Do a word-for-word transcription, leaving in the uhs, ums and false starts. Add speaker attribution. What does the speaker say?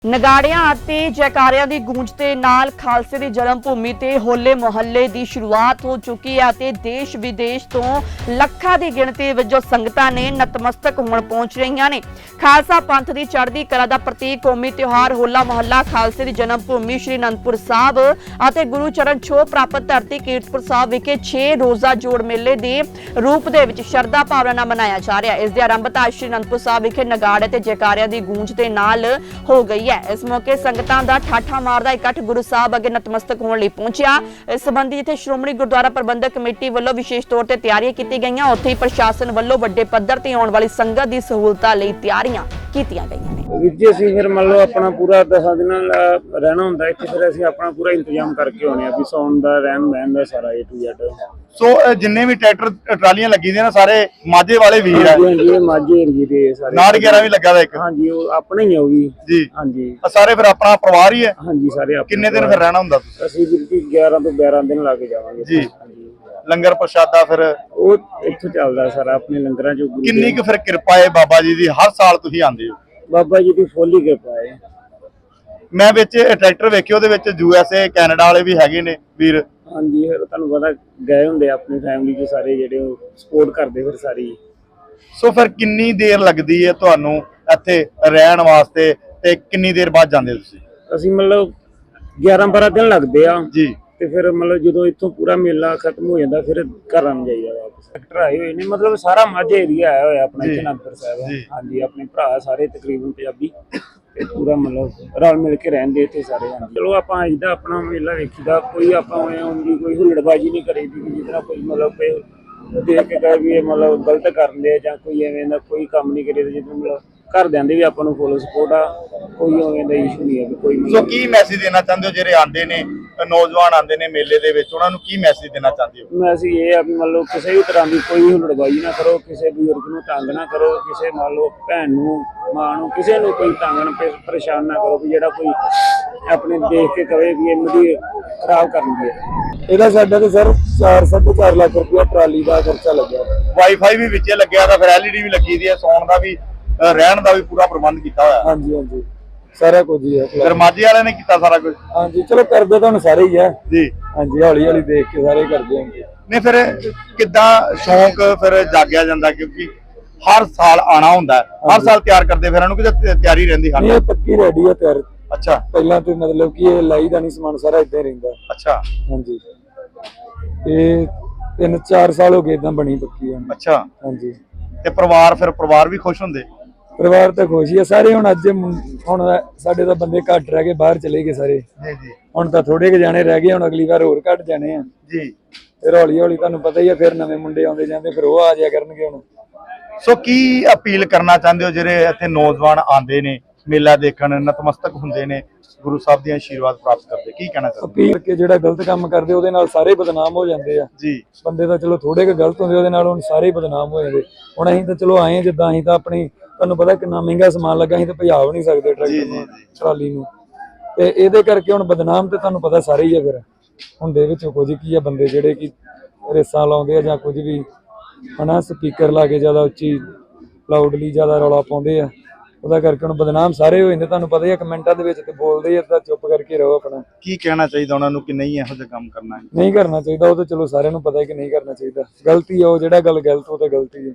Speaker 1: ਨਗਾੜਿਆਂ ਅਤੇ ਜੈਕਾਰਿਆਂ ਦੀ ਗੂੰਜ ਦੇ ਨਾਲ ਖਾਲਸੇ ਦੀ ਜਨਮ ਭੂਮੀ ਤੇ ਹੋਲੇ ਮੁਹੱਲੇ ਦੀ ਸ਼ੁਰੂਆਤ ਹੋ ਚੁੱਕੀ ਹੈ ਅਤੇ ਦੇਸ਼ ਵਿਦੇਸ਼ ਤੋਂ ਲੱਖਾਂ ਦੀ ਗਿਣਤੀ ਵਿੱਚ ਜੋ ਸੰਗਤਾਂ ਨੇ ਨਤਮਸਤਕ ਹੋਣ ਪਹੁੰਚ ਰਹੀਆਂ ਨੇ। ਖਾਲਸਾ ਪੰਥ ਦੀ ਚੜ੍ਹਦੀ ਕਲਾ ਦਾ ਪ੍ਰਤੀਕ ਕੌਮੀ ਤਿਉਹਾਰ ਹੋਲਾ ਮੁਹੱਲਾ ਖਾਲਸੇ ਦੀ ਜਨਮ ਭੂਮੀ ਸ਼੍ਰੀ ਅਨੰਦਪੁਰ ਸਾਹਿਬ ਅਤੇ ਗੁਰੂ ਚਰਨ ਛੋਹ ਪ੍ਰਾਪਤ ਧਰਤੀ ਕੀਰਤਪੁਰ ਸਾਹਿਬ ਵਿਖੇ ਛੇ ਰੋਜ਼ਾ ਜੋੜ ਮੇਲੇ ਦੇ ਰੂਪ ਦੇ ਵਿੱਚ ਸ਼ਰਧਾ ਭਾਵਨਾ ਨਾਲ ਮਨਾਇਆ ਜਾ ਰਿਹਾ ਹੈ। ਇਸ ਦੀ ਆਰੰਭਤਾ ਸ਼੍ਰੀ ਅਨੰਦਪੁਰ ਸਾਹਿਬ ਵਿਖੇ ਨਗਾੜੇ ਤੇ ਜੈਕਾਰਿਆਂ ਦੀ ਗੂੰਜ ਦੇ ਨਾਲ ਹੋ ਗਈ। इस मौके संगतां दा ठाठा मारदा इकट्ठ गुरु साहब अगे नतमस्तक होने लई पहुंचिया। इस संबंधी जिथे श्रोमणी गुरुद्वारा प्रबंधक कमेटी वालों विशेष तौर ते तैयारियां कीती गईयां, उत्थे ही प्रशासन वालों वड्डे पद्धर ते आउण वाली संगत दी सहूलतां लई तैयारियां कीतियां गईयां ने।
Speaker 2: ਵੀਰ ਜੀ ਅਸੀਂ ਫਿਰ ਮੰਨ ਲਓ ਆਪਣਾ ਪੂਰਾ ਦਸਾਂ ਦਿਨਾਂ ਰਹਿਣਾ ਹੁੰਦਾ ਇੱਥੇ, ਫਿਰ ਅਸੀਂ ਆਪਣਾ ਪੂਰਾ ਇੰਤਜ਼ਾਮ ਕਰਕੇ ਆਉਣੇ ਆ ਵੀ ਸੌਣ ਦਾ ਰਹਿਣ ਬਹਿਣ ਦਾ ਸਾਰਾ ਏ ਟੂ ਜ਼ੈਡ।
Speaker 3: ਸੋ ਜਿੰਨੇ ਵੀ ਟਰੈਕਟਰ ਟਰਾਲੀਆਂ ਲੱਗੀ ਦੀਆਂ ਨਾ ਸਾਰੇ ਮਾਝੇ ਵਾਲੇ ਵੀਰ ਆ।
Speaker 2: ਹਾਂਜੀ ਇਹ ਮਾਝੇ ਏਰੀਏ ਦੇ ਸਾਰੇ
Speaker 3: ਨਾੜ ਗਿਆਰਾਂ ਵੀ ਲੱਗਾ ਦਾ ਇੱਕ।
Speaker 2: ਹਾਂਜੀ ਉਹ ਆਪਣਾ ਹੀ ਆ ਉਹ ਵੀ
Speaker 3: ਜੀ।
Speaker 2: ਹਾਂਜੀ
Speaker 3: ਸਾਰੇ ਫਿਰ ਆਪਣਾ ਪਰਿਵਾਰ ਹੀ ਹੈ।
Speaker 2: ਹਾਂਜੀ ਸਾਰੇ ਆਪਣੇ।
Speaker 3: ਕਿੰਨੇ ਦਿਨ ਫਿਰ ਰਹਿਣਾ ਹੁੰਦਾ ਤੁਸੀਂ?
Speaker 2: ਅਸੀਂ ਵੀਰ ਜੀ ਗਿਆਰਾਂ ਤੋਂ ਬਾਰਾਂ ਦਿਨ ਲਾ ਕੇ ਜਾਵਾਂਗੇ
Speaker 3: ਜੀ। ਲੰਗਰ ਪ੍ਰਸ਼ਾਦਾ ਫਿਰ
Speaker 2: ਉਹ ਇੱਥੋਂ ਚੱਲਦਾ ਸਾਰਾ ਆਪਣੇ ਲੰਗਰਾਂ ਚੋਂ।
Speaker 3: ਕਿੰਨੀ ਕੁ ਫਿਰ ਕਿਰਪਾ ਹੈ ਬਾਬਾ ਜੀ ਦੀ, ਹਰ ਸਾਲ ਤੁਸੀਂ ਆਉਂਦੇ ਹੋ?
Speaker 2: ਬਾਬਾ ਜੀ ਦੀ ਫੁੱਲ ਹੀ ਕਿਰਪਾ ਹੈ।
Speaker 3: ਮੈਂ ਵਿੱਚ ਟਰੈਕਟਰ ਵੇਖੇ, ਉਹਦੇ ਵਿੱਚ ਯੂ ਐਸ ਏ ਕੈਨੇਡਾ ਵਾਲੇ ਵੀ ਹੈਗੇ ਨੇ ਵੀਰ।
Speaker 2: ਹਾਂਜੀ ਫਿਰ ਤੁਹਾਨੂੰ ਪਤਾ ਗਏ ਹੁੰਦੇ ਆਪਣੀ ਫੈਮਿਲੀ ਚ ਸਾਰੇ ਜਿਹੜੇ ਉਹ ਸਪੋਰਟ ਕਰਦੇ ਫਿਰ ਸਾਰੀ।
Speaker 3: ਸੋ ਫਿਰ ਕਿੰਨੀ ਦੇਰ ਲੱਗਦੀ ਹੈ ਤੁਹਾਨੂੰ ਇੱਥੇ ਰਹਿਣ ਵਾਸਤੇ ਤੇ ਕਿੰਨੀ ਦੇਰ ਬਾਅਦ ਜਾਂਦੇ ਤੁਸੀਂ?
Speaker 2: ਅਸੀਂ ਮਤਲਬ ਗਿਆਰਾਂ ਬਾਰਾਂ ਦਿਨ ਲੱਗਦੇ ਆ
Speaker 3: ਜੀ।
Speaker 2: ਤੇ ਫਿਰ ਮਤਲਬ ਜਦੋਂ ਇੱਥੋਂ ਪੂਰਾ ਮੇਲਾ ਖਤਮ ਹੋ ਜਾਂਦਾ ਫਿਰ ਘਰਾਂ ਨੂੰ ਜਾਈਦਾ ਵਾਪਸ। ਟਰੈਕਟਰ ਆਏ ਹੋਏ ਨੇ, ਮਤਲਬ ਸਾਰਾ ਮਾਝਾ ਏਰੀਆ ਆਇਆ ਹੋਇਆ ਆਪਣਾ ਇੱਥੇ ਅਨੰਦਪੁਰ ਸਾਹਿਬ। ਹਾਂਜੀ ਆਪਣੇ ਭਰਾ ਸਾਰੇ ਤਕਰੀਬਨ ਪੰਜਾਬੀ ਤੇ ਪੂਰਾ ਮਤਲਬ ਰਲ ਮਿਲ ਕੇ ਰਹਿੰਦੇ ਇੱਥੇ ਸਾਰੇ। ਹਾਂਜੀ ਚਲੋ ਆਪਾਂ ਆਈਦਾ ਆਪਣਾ ਮੇਲਾ ਵੇਖੀਦਾ, ਕੋਈ ਆਪਾਂ ਹੁੰਦੀ ਕੋਈ ਹੁਲੜਬਾਜੀ ਨਹੀਂ ਕਰੀਦੀ ਜਿਸ ਤਰ੍ਹਾਂ ਕੋਈ ਮਤਲਬ ਕੋਈ ਦੇਖ ਕੇ ਕਹੇ ਵੀ ਇਹ ਮਤਲਬ ਗਲਤ ਕਰਦੇ ਜਾਂ ਕੋਈ ਐਵੇਂ ਦਾ ਕੋਈ ਕੰਮ ਨਹੀਂ ਕਰੀਦਾ। ਜਿੱਦਾਂ ਮਤਲਬ ਘਰਦਿਆਂ ਦੇ ਵੀ ਆਪਾਂ ਨੂੰ ਫੁੱਲ ਸਪੋਰਟ ਆ, ਕੋਈ ਐਵੇਂ ਦਾ ਇਸ਼ੂ ਨਹੀਂ ਹੈ ਕੋਈ।
Speaker 3: ਸੋ ਕੀ ਮੈਸੇਜ ਦੇਣਾ ਚਾਹੁੰਦੇ ਹੋ ਜਿਹੜੇ ਆਉਂਦੇ ਨੇ ਨੌਜਵਾਨ ਆਉਂਦੇ ਨੇ ਮੇਲੇ ਦੇ ਵਿੱਚ, ਉਹਨਾਂ ਨੂੰ ਕੀ ਮੈਸੇਜ ਦੇਣਾ ਚਾਹੁੰਦੇ ਹੋ?
Speaker 2: ਮੈਸੇਜ ਇਹ ਆ ਵੀ ਮੰਨ ਲਓ ਕਿਸੇ ਵੀ ਤਰ੍ਹਾਂ ਦੀ ਕੋਈ ਹੁਲੜਬਾਜ਼ੀ ਨਾ ਕਰੋ, ਕਿਸੇ ਬਜ਼ੁਰਗ ਨੂੰ ਤੰਗ ਨਾ ਕਰੋ, ਕਿਸੇ ਮੰਨ ਲਓ ਭੈਣ ਨੂੰ ਮਾਂ ਨੂੰ ਕਿਸੇ ਨੂੰ ਕੋਈ ਤੰਗ ਨਾ ਪਰੇਸ਼ਾਨ ਨਾ ਕਰੋ ਵੀ ਜਿਹੜਾ ਕੋਈ ਆਪਣੇ ਦੇਖ ਕੇ ਕਵੇ ਵੀ ਇਹ ਮੇਰੀ ਖਰਾਬ ਕਰਨਗੇ। ਇਹਦਾ ਸਾਡਾ ਤੇ ਸਰ ਚਾਰ ਸਾਢੇ ਚਾਰ ਲੱਖ ਰੁਪਇਆ ਟਰਾਲੀ ਦਾ ਖਰਚਾ ਲੱਗਿਆ।
Speaker 3: ਵਾਈਫਾਈ ਵੀ ਵਿੱਚੇ ਲੱਗਿਆ ਤਾਂ ਫਿਰ ਐਲ ਈ ਡੀ ਵੀ ਲੱਗੀ ਦੀ ਹੈ, ਸੌਣ ਦਾ ਵੀ ਰਹਿਣ ਦਾ ਵੀ ਪੂਰਾ ਪ੍ਰਬੰਧ ਕੀਤਾ ਹੋਇਆ।
Speaker 2: ਹਾਂਜੀ ਹਾਂਜੀ ਸਾਰਾ ਕੁਝ ਹੀ ਹੈ।
Speaker 3: ਫਿਰ ਮਾਝੇ ਵਾਲਿਆਂ ਨੇ ਕੀਤਾ ਸਾਰਾ ਕੁਝ?
Speaker 2: ਹਾਂਜੀ ਚਲੋ ਕਰਦੇ ਤਾਂ ਹੁਣ ਸਾਰੇ ਹੀ ਆ
Speaker 3: ਜੀ।
Speaker 2: ਹਾਂਜੀ ਹੌਲੀ ਹੌਲੀ ਦੇਖ ਕੇ ਸਾਰੇ ਕਰਦੇ ਹਾਂ।
Speaker 3: ਨਹੀਂ ਫਿਰ ਕਿੱਦਾਂ ਸ਼ੌਂਕ ਫਿਰ ਜਾਗਿਆ ਜਾਂਦਾ, ਕਿਉਂਕਿ ਹਰ ਸਾਲ ਆਣਾ ਹੁੰਦਾ, ਹਰ ਸਾਲ ਤਿਆਰ ਕਰਦੇ ਫਿਰ ਇਹਨੂੰ ਕਿਤੇ ਤਿਆਰੀ ਰਹਿੰਦੀ?
Speaker 2: ਹਾਂ ਇਹ ਪੱਕੀ ਰੈਡੀ ਆ ਤਿਆਰ।
Speaker 3: ਅੱਛਾ
Speaker 2: ਪਹਿਲਾਂ ਤੇ ਮਤਲਬ ਕਿ ਇਹ ਲਾਈ ਦਾ ਨਹੀਂ ਸਮਾਨ ਸਾਰਾ ਏਦਾਂ ਹੀ ਰਹਿੰਦਾ।
Speaker 3: ਅੱਛਾ
Speaker 2: ਹਾਂਜੀ ਇਹ ਤਿੰਨ ਚਾਰ ਸਾਲ ਹੋ ਗਏ ਏਦਾਂ ਬਣੀ ਪੱਕੀ।
Speaker 3: ਅੱਛਾ
Speaker 2: ਹਾਂਜੀ
Speaker 3: ਤੇ ਪਰਿਵਾਰ ਫਿਰ ਪਰਿਵਾਰ ਵੀ ਖੁਸ਼ ਹੁੰਦੇ?
Speaker 2: ਪਰਿਵਾਰ ਤਾਂ ਖੁਸ਼ ਹੀ ਆ ਸਾਰੇ। ਹੁਣ ਅੱਜ ਹੁਣ ਸਾਡੇ ਤਾਂ ਬੰਦੇ ਘੱਟ ਰਹਿ ਗਏ, ਬਾਹਰ ਚਲੇ ਗਏ ਸਾਰੇ।
Speaker 3: ਜੀ ਜੀ।
Speaker 2: ਹੁਣ ਤਾਂ ਥੋੜੇ ਕੁ ਜਾਣੇ ਰਹਿ ਗਏ, ਹੁਣ ਅਗਲੀ ਵਾਰ ਹੋਰ ਘੱਟ ਜਾਣੇ ਆ
Speaker 3: ਜੀ।
Speaker 2: ਫਿਰ ਹੌਲੀ ਹੌਲੀ ਤੁਹਾਨੂੰ ਪਤਾ ਹੀ ਆ ਫਿਰ ਨਵੇਂ ਮੁੰਡੇ ਆਉਂਦੇ ਜਾਂਦੇ, ਫਿਰ ਉਹ ਆ ਜਾਇਆ ਕਰਨਗੇ ਹੁਣ।
Speaker 3: ਸੋ ਕੀ ਅਪੀਲ ਕਰਨਾ ਚਾਹੁੰਦੇ ਹੋ ਜਿਹੜੇ ਇੱਥੇ ਨੌਜਵਾਨ ਆਉਂਦੇ ਨੇ ਮੇਲਾ ਦੇਖਣ, ਨਤਮਸਤਕ ਹੁੰਦੇ ਨੇ, ਗੁਰੂ ਸਾਹਿਬ ਦੀਆਂ ਆਸ਼ੀਰਵਾਦ ਪ੍ਰਾਪਤ ਕਰਦੇ, ਕੀ ਕਹਿਣਾ ਚਾਹੁੰਦੇ?
Speaker 2: ਅਪੀਲ ਕਰਕੇ ਜਿਹੜਾ ਗਲਤ ਕੰਮ ਕਰਦੇ ਉਹਦੇ ਨਾਲ ਸਾਰੇ ਬਦਨਾਮ ਹੋ ਜਾਂਦੇ ਆ।
Speaker 3: ਜੀ। ਬੰਦੇ
Speaker 2: ਬੰਦੇ ਤਾਂ ਚਲੋ ਥੋੜੇ ਕੁ ਗਲਤ ਹੁੰਦੇ, ਉਹਦੇ ਨਾਲ ਹੁਣ ਸਾਰੇ ਹੀ ਬਦਨਾਮ ਹੋ ਜਾਂਦੇ। ਹੁਣ ਅਸੀਂ ਤਾਂ ਚਲੋ ਆਏ ਜਿੱਦਾਂ ਅਸੀਂ ਤਾਂ ਆਪਣੀ ਤੁਹਾਨੂੰ ਪਤਾ ਕਿੰਨਾ ਮਹਿੰਗਾ ਸਮਾਨ ਲੱਗਾ, ਅਸੀਂ ਤਾਂ ਭਜਾ ਵੀ ਨਹੀਂ ਸਕਦੇ ਟਰੈਕਟਰ ਨੂੰ ਟਰਾਲੀ ਨੂੰ, ਤੇ ਇਹਦੇ ਕਰਕੇ ਹੁਣ ਬਦਨਾਮ ਤੇ ਤੁਹਾਨੂੰ ਪਤਾ ਸਾਰੇ ਹੀ ਆ। ਫਿਰ ਹੁੰਦੇ ਵਿੱਚ ਕੁਝ ਕੀ ਆ ਬੰਦੇ ਜਿਹੜੇ ਕਿ ਰੇਸਾਂ ਲਾਉਂਦੇ ਆ ਜਾਂ ਕੁਝ ਵੀ ਹਨਾ, ਸਪੀਕਰ ਲਾ ਕੇ ਜ਼ਿਆਦਾ ਉੱਚੀ ਲਾਊਡਲੀ ਜ਼ਿਆਦਾ ਰੌਲਾ ਪਾਉਂਦੇ ਆ, ਉਹਦਾ ਕਰਕੇ ਹੁਣ ਬਦਨਾਮ ਸਾਰੇ ਹੋ ਜਾਂਦੇ। ਤੁਹਾਨੂੰ ਪਤਾ ਹੀ ਆ ਕਮੈਂਟਾਂ ਦੇ ਵਿੱਚ ਤੇ ਬੋਲਦੇ ਆ, ਤਾਂ ਚੁੱਪ ਕਰਕੇ ਰਹੋ ਆਪਣਾ।
Speaker 3: ਕੀ ਕਹਿਣਾ ਚਾਹੀਦਾ ਉਹਨਾਂ ਨੂੰ ਕਿ ਨਹੀਂ ਇਹੋ ਜਿਹਾ ਕੰਮ ਕਰਨਾ?
Speaker 2: ਨਹੀਂ ਕਰਨਾ ਚਾਹੀਦਾ, ਉਹ ਤਾਂ ਚਲੋ ਸਾਰਿਆਂ ਨੂੰ ਪਤਾ ਹੈ ਕਿ ਨਹੀਂ ਕਰਨਾ ਚਾਹੀਦਾ। ਗਲਤੀ ਆ ਉਹ, ਜਿਹੜਾ ਗੱਲ ਗਲਤ ਉਹ ਤਾਂ ਗਲਤੀ ਹੈ।